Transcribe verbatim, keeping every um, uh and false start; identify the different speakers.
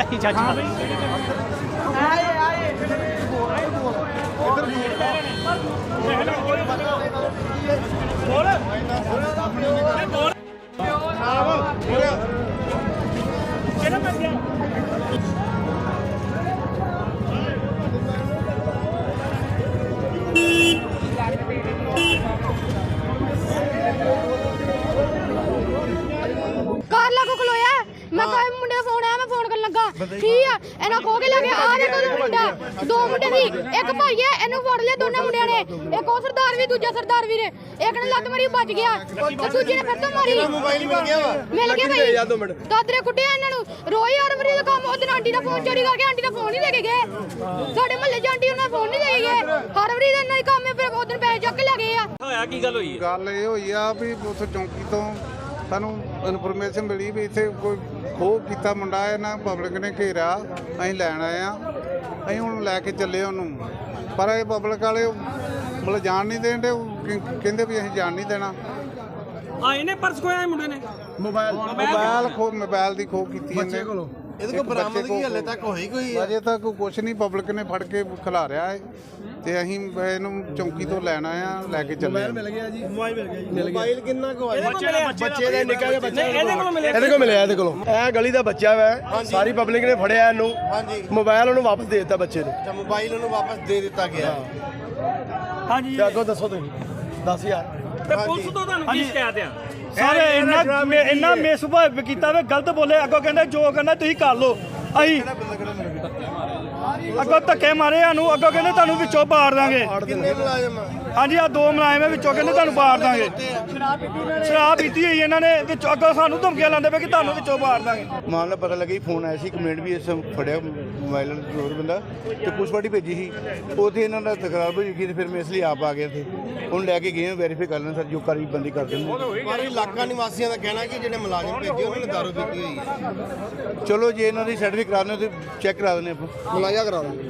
Speaker 1: ਕੀ ਚੱਜ ਮਾਰ
Speaker 2: ਕਾਰ ਲਾਗੋ ਖਲੋਇਆ ਮੈਂ ਕਹਾਂ ਮੁੰਡੇ ਦਾ ਫੋਨ ਆਇਆ ਮੈਂ ਫੋਨ ਕਰਨ ਲੱਗਾ ਠੀਕ ਆ ਇਹਨਾਂ ਖੋ ਕੇ ਲੈ ਕੇ ਆ ਦੇਖੋ ਮੁੰਡਾ ਦੋ ਮੁੰਡੇ ਦੀ ਇੱਕ ਭਾਈ ਹੈ ਇਹਨੂੰ ਫੜ ਲਿਆ ਦੋਨਾਂ ਮੁੰਡਿਆਂ ਨੇ ਇੱਕ ਉਹ ਸਰਦਾਰ ਵੀ ਦੂਜਾ ਸਰਦਾਰ ਵੀ ਨੇ ਇੱਕ ਨੇ ਲੱਤ ਮਾਰੀ ਬਚ ਗਿਆ ਤੇ ਦੂਜੇ ਨੇ ਫਿਰ ਤੋਂ ਮਾਰੀ
Speaker 3: ਮੋਬਾਈਲ ਮਿਲ ਗਿਆ ਵਾ
Speaker 2: ਮਿਲ ਗਿਆ ਭਾਈ ਦਾਦਰੇ ਕੁੱਟਿਆ ਇਹਨਾਂ ਨੂੰ ਰੋਈ ਹਰ ਵਾਰੀ ਦਾ ਕੰਮ ਉਹਦੇ ਆਂਟੀ ਦਾ ਫੋਨ ਚੋਰੀ ਕਰਕੇ ਆਂਟੀ ਦਾ ਫੋਨ ਨਹੀਂ ਦੇ ਕੇ ਗਏ ਸਾਡੇ ਮਹੱਲੇ ਚ ਆਂਟੀ ਉਹਨਾਂ ਫੋਨ ਨਹੀਂ ਦੇ ਕੇ ਗਏ ਹਰ ਵਾਰੀ ਦਾ ਇਹਨਾਂ ਦਾ ਕੰਮ ਹੈ ਫਿਰ ਉਹਦੇ ਪੈਸੇ ਚੱਕ ਕੇ ਲੈ ਗਏ ਆ
Speaker 1: ਹੋਇਆ ਕੀ ਗੱਲ ਹੋਈ
Speaker 4: ਗੱਲ ਇਹ ਹੋਈ ਆ ਵੀ ਉੱਥੇ ਚੌਂਕੀ ਤੋਂ ਸਾਨੂੰ ਇਨਫੋਰਮੇਸ਼ਨ ਮਿਲੀ ਵੀ ਇੱਥੇ ਕੋਈ ਖੋਹ ਕੀਤਾ ਮੁੰਡਾ ਇਹਨਾਂ ਪਬਲਿਕ ਨੇ ਘੇਰਿਆ ਅਸੀਂ ਲੈਣ ਆਏ ਆ ਅਸੀਂ ਹੁਣ ਲੈ ਕੇ ਚੱਲੇ ਉਹਨੂੰ ਪਰ ਇਹ ਪਬਲਿਕ ਵਾਲੇ ਮਤਲਬ ਜਾਣ ਨਹੀਂ ਦੇਣ ਦੇ ਕਹਿੰਦੇ ਵੀ ਅਸੀਂ ਜਾਣ ਨਹੀਂ ਦੇਣਾ
Speaker 1: ਆਏ ਨੇ ਪਰਸ ਖੋਇਆ ਮੁੰਡੇ ਨੇ
Speaker 4: ਮੋਬਾਈਲ ਮੋਬਾਈਲ ਖੋ ਮੋਬਾਈਲ ਦੀ ਖੋਹ ਕੀਤੀ ਇਹਨੇ
Speaker 3: ਇਹਦੇ ਕੋਲ ਬਰਾਮਦਗੀ ਹਲੇ ਤੱਕ ਹੋਈ ਕੋਈ
Speaker 4: ਅਜੇ ਤੱਕ ਕੁਝ ਨਹੀਂ ਪਬਲਿਕ ਨੇ ਫੜ ਕੇ ਖਿਲਾਰਿਆ ਹੈ ਤੇ ਅਸੀਂ ਇਹਨੂੰ ਚੌਂਕੀ ਤੋਂ ਲੈਣ ਆਏ ਆ ਲੈ ਕੇ ਚੱਲੇ
Speaker 3: ਮਿਲ ਗਿਆ ਜੀ ਮੋਬਾਈਲ ਮਿਲ ਗਿਆ ਜੀ ਮੋਬਾਈਲ ਕਿੰਨਾ ਕੁ ਹੋਇਆ
Speaker 1: ਬੱਚੇ
Speaker 3: ਦਾ ਨਿੱਕਾ ਜਿਹਾ ਬੱਚਾ
Speaker 1: ਇਹਦੇ ਕੋਲ ਮਿਲਿਆ
Speaker 3: ਇਹਦੇ ਕੋਲ ਮਿਲਿਆ ਇਹਦੇ ਕੋਲੋਂ ਇਹ ਗਲੀ ਦਾ ਬੱਚਾ ਵਾ ਸਾਰੀ ਪਬਲਿਕ ਨੇ ਫੜਿਆ ਇਹਨੂੰ ਹਾਂਜੀ ਮੋਬਾਈਲ ਉਹਨੂੰ ਵਾਪਸ ਦੇ ਦਿੱਤਾ ਬੱਚੇ ਨੂੰ ਅੱਛਾ ਮੋਬਾਈਲ ਉਹਨੂੰ ਵਾਪਸ ਦੇ ਦਿੱਤਾ ਗਿਆ
Speaker 1: ਹਾਂਜੀ
Speaker 3: ਤੇ ਅੱਗੋਂ ਦੱਸੋ ਤੁਸੀਂ ਦਸ ਹਜ਼ਾਰ
Speaker 1: ਤੇ ਪੁਲਿਸ ਤੋਂ ਤੁਹਾਨੂੰ ਕੀ ਸ਼ਿਕਾਇਤ ਆ
Speaker 5: ਸਾਰੇ ਇੰਨਾ ਇੰਨਾ ਮਿਸਭਾਵ ਕੀਤਾ ਵੇ ਗਲਤ ਬੋਲੇ ਅੱਗੋਂ ਕਹਿੰਦੇ ਜੋ ਕਰਨਾ ਤੁਸੀਂ ਕਰ ਲਓ ਅਸੀਂ ਅੱਗੋਂ ਧੱਕੇ ਮਾਰੇ ਸਾਨੂੰ ਅੱਗੋਂ ਕਹਿੰਦੇ ਤੁਹਾਨੂੰ ਵਿੱਚੋਂ ਪਾੜ ਦਾਂਗੇ
Speaker 3: ਕਿੰਨੇ ਮੁਲਾਜ਼ਮ
Speaker 5: ਹਾਂਜੀ ਆ ਦੋ ਮੁਲਾਜ਼ਮ ਵਿੱਚੋਂ ਕਹਿੰਦੇ ਤੁਹਾਨੂੰ ਪਾੜ ਦਾਂਗੇ ਸ਼ਰਾਬ ਪੀਤੀ ਹੋਈ ਇਹਨਾਂ ਨੇ ਵਿੱਚੋਂ ਅੱਗੋਂ ਸਾਨੂੰ ਧਮਕੀਆਂ ਲਾਉਂਦੇ ਪਏ ਕਿ ਤੁਹਾਨੂੰ ਵਿੱਚੋਂ ਪਾੜ ਦਾਂਗੇ
Speaker 6: ਮਾਮਲਾ ਪਤਾ ਲੱਗਾ ਜੀ ਫੋਨ ਆਇਆ ਸੀ ਕੰਪਲੇਂਟ ਵੀ ਇਸ ਫੜਿਆ ਮੋਬਾਈਲ ਚੋਰ ਬੰਦਾ ਤੇ ਪੁਲਿਸ ਪਾਰਟੀ ਭੇਜੀ ਸੀ ਉੱਥੇ ਇਹਨਾਂ ਦਾ ਤਕਰਾਰ ਹੋਈ ਸੀ ਤੇ ਫਿਰ ਮੈਂ ਇਸ ਲਈ ਆਪ ਆ ਗਿਆ ਇੱਥੇ ਉਹਨੂੰ ਲੈ ਕੇ ਗਏ ਵੈਰੀਫਾਈ ਕਰ ਲੈਣ ਸਰ ਜੋ ਕਾਰਵਾਈ ਬੰਦੀ ਕਰ ਦਿੰਦੇ
Speaker 3: ਪਰ ਇਲਾਕਾ ਨਿਵਾਸੀਆਂ ਦਾ ਕਹਿਣਾ ਕਿ ਜਿਹੜੇ ਮੁਲਾਜ਼ਮ ਭੇਜੇ ਉਹਨਾਂ ਨੇ ਦਾਰੂ ਪੀਤੀ ਹੋਈ ਹੈ
Speaker 6: ਚਲੋ ਜੇ ਇਹਨਾਂ ਦੀ ਸਰਟੀਫਿਕੇਟ ਕਰਾ ਦਿੰਦੇ ਤੇ ਚੈੱਕ ਕਰਾ ਦਿੰਦੇ ਆਪਾਂ
Speaker 3: ਮੁਲਾਜ਼ਾ ਕਰਾ ਦਿਓ